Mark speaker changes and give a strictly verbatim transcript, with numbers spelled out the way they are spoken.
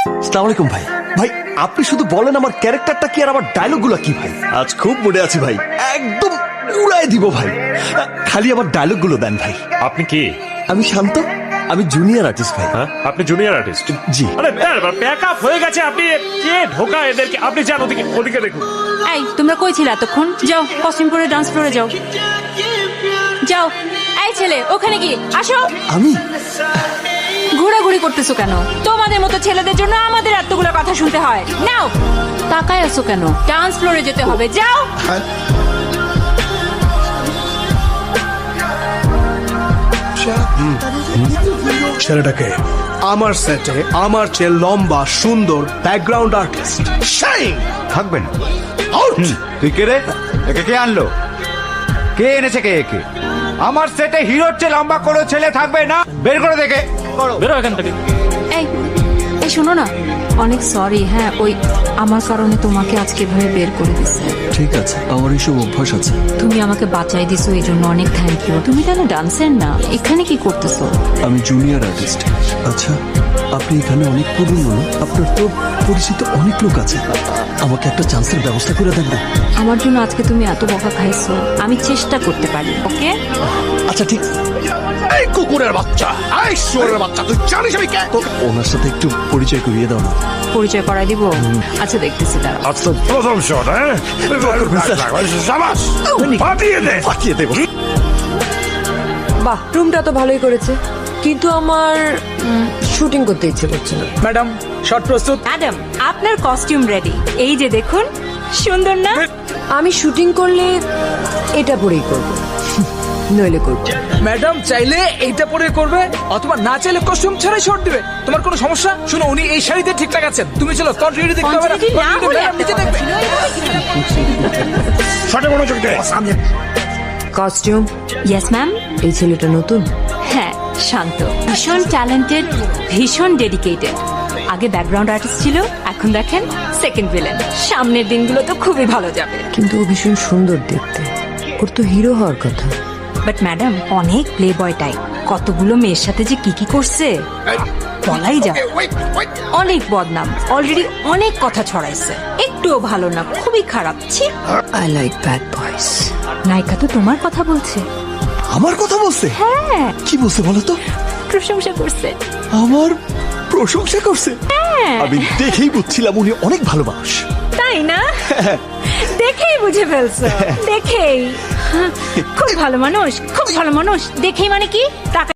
Speaker 1: আসসালামু আলাইকুম ভাই। ভাই আপনি শুধু বলেন আমার ক্যারেক্টারটা কি আর আমার ডায়লগগুলো কি ভাই। আজ খুব মুডে আছি ভাই, একদম উড়াই দিব ভাই। খালি আমার ডায়লগগুলো দেন ভাই।
Speaker 2: আপনি কি?
Speaker 1: আমি শান্ত, আমি জুনিয়র আর্টিস্ট ভাই।
Speaker 2: হ্যাঁ, আপনি জুনিয়র আর্টিস্ট?
Speaker 1: জি।
Speaker 2: আরে ব্যাকআপ হয়ে গেছে। আপনি কে ঢোকা এদেরকে? আপনি যান ওদিকে, ওদিকে দেখুন।
Speaker 3: এই তোমরা কই ছিলে এতক্ষণ? যাও কস্টিউম পরে ডান্স ফ্লোরে যাও, যাও। এই ছেলে ওখানে কি? আসো।
Speaker 1: আমি
Speaker 3: ঘোরাঘুরি করতেছো কেন? তোমাদের মতো ছেলেদের জন্য আমাদের এতগুলো কথা শুনতে হয়। নাও, তাকায় আছো কেন? ডান্স ফ্লোরে যেতে হবে, যাও।
Speaker 4: ছেলেটাকে আমার সেটে আমার চেয়ে লম্বা সুন্দর ব্যাকগ্রাউন্ড আর্টিস্ট শাইন
Speaker 5: থাকবেন। তুই কে রে? একে কে আনলো? কে এনেছে কে একে? আমার সেটে হিরোর চেয়ে লম্বা কোনো ছেলে থাকবে না। বের করে দেখে
Speaker 2: বেরো এখান থেকে।
Speaker 3: এই এই শোনো না, অনেক সরি। হ্যাঁ, ওই আমার কারণে তোমাকে আজকে ভাবে বের করে দিচ্ছে।
Speaker 1: ঠিক আছে, আমার এইসব অভ্যাস আছে।
Speaker 3: তুমি আমাকে বাঁচাই দিছো, এই জন্য অনেক থ্যাংক ইউ। তুমি কেন ডান্সের না, এখানে কি করতেছো?
Speaker 1: আমি জুনিয়র আর্টিস্ট। আচ্ছা, আপনি এখানে অনেক পুরনো, আপনার তো পরিচিত অনেক লোক আছে, আমাকে একটা চান্সের ব্যবস্থা করে দেন না?
Speaker 3: আমার জন্য আজকে তুমি এত বকা খাইছো, আমি চেষ্টা করতে পারি। ওকে
Speaker 1: আচ্ছা ঠিক।
Speaker 4: এই কুকুরের বাচ্চা, এই শুয়োরের বাচ্চা, তুই জানিস আমি কে?
Speaker 1: তো ওনার সাথে একটু পরিচয় করিয়ে দাও না।
Speaker 3: পরিচয় করাই দিব? আচ্ছা দেখতেছি, দাঁড়া।
Speaker 2: আজ তো প্রথম শট। হ্যাঁ, সাবাস, পাঠিয়ে দে।
Speaker 1: পাঠিয়ে দেবো।
Speaker 6: বাহ, রুমটা তো ভালোই করেছে, কিন্তু আমার শুটিং করতে ইচ্ছে করছে না।
Speaker 4: ম্যাডাম শট প্রস্তুত?
Speaker 3: ম্যাডাম আপনার কস্টিউম রেডি, এই যে দেখুন, সুন্দর না?
Speaker 6: আমি শুটিং করলে এটা পরেই করব, নইলে করব।
Speaker 4: ম্যাডাম চাইলে এইটা পরে করবে, অথবা না চাইলে কস্টিউম ছাড়াই শট দিবে। তোমার কোনো সমস্যা? শোনো, উনি এই শাড়িতে ঠিকঠাক আছেন, তুমি চলো কন্টিনিউটি দেখতে হবে না।
Speaker 3: Continuity না হলে
Speaker 4: ম্যাডাম নিচে দেখবে।
Speaker 2: শটে মনোযোগ দে।
Speaker 6: কস্টিউম?
Speaker 3: Yes ma'am.
Speaker 6: এই ছেলেটা নতুন?
Speaker 3: হ্যাঁ, শান্ত, ভীষণ ট্যালেন্টেড, ভীষণ ডেডিকেটেড। আগে ব্যাকগ্রাউন্ড আর্টিস্ট ছিল, এখন দেখেন সেকেন্ড ভিলেন। সামনের দিনগুলো তো খুবই ভালো যাবে।
Speaker 6: কিন্তু ও ভীষণ সুন্দর দেখতে, ওর তো হিরো হওয়ার কথা।
Speaker 3: বাট ম্যাডাম অনেক প্লে বয় টাইপ, কতগুলো মেয়ের সাথে যে কি কি করছে বলাই যায়। অনেক বদনাম, অলরেডি অনেক কথা ছড়াইছে। একটুও ভালো না, খুবই খারাপ। ছি।
Speaker 6: আই লাইক ব্যাড বয়স।
Speaker 3: নায়িকা তো তোমার কথা বলছে।
Speaker 1: আমার কথা বলছে?
Speaker 3: হ্যাঁ,
Speaker 1: কি বলছে বলো তো?
Speaker 3: প্রশংসা করছে।
Speaker 1: আমার প্রশংসা করছে? আমি দেখেই বুঝছিলাম উনি অনেক ভালো মানুষ।
Speaker 3: তাই না? দেখেই বুঝে ফেলছো? দেখেই খুব ভালো মানুষ, খুব ভালো মানুষ। দেখেই মানে কি? টাকা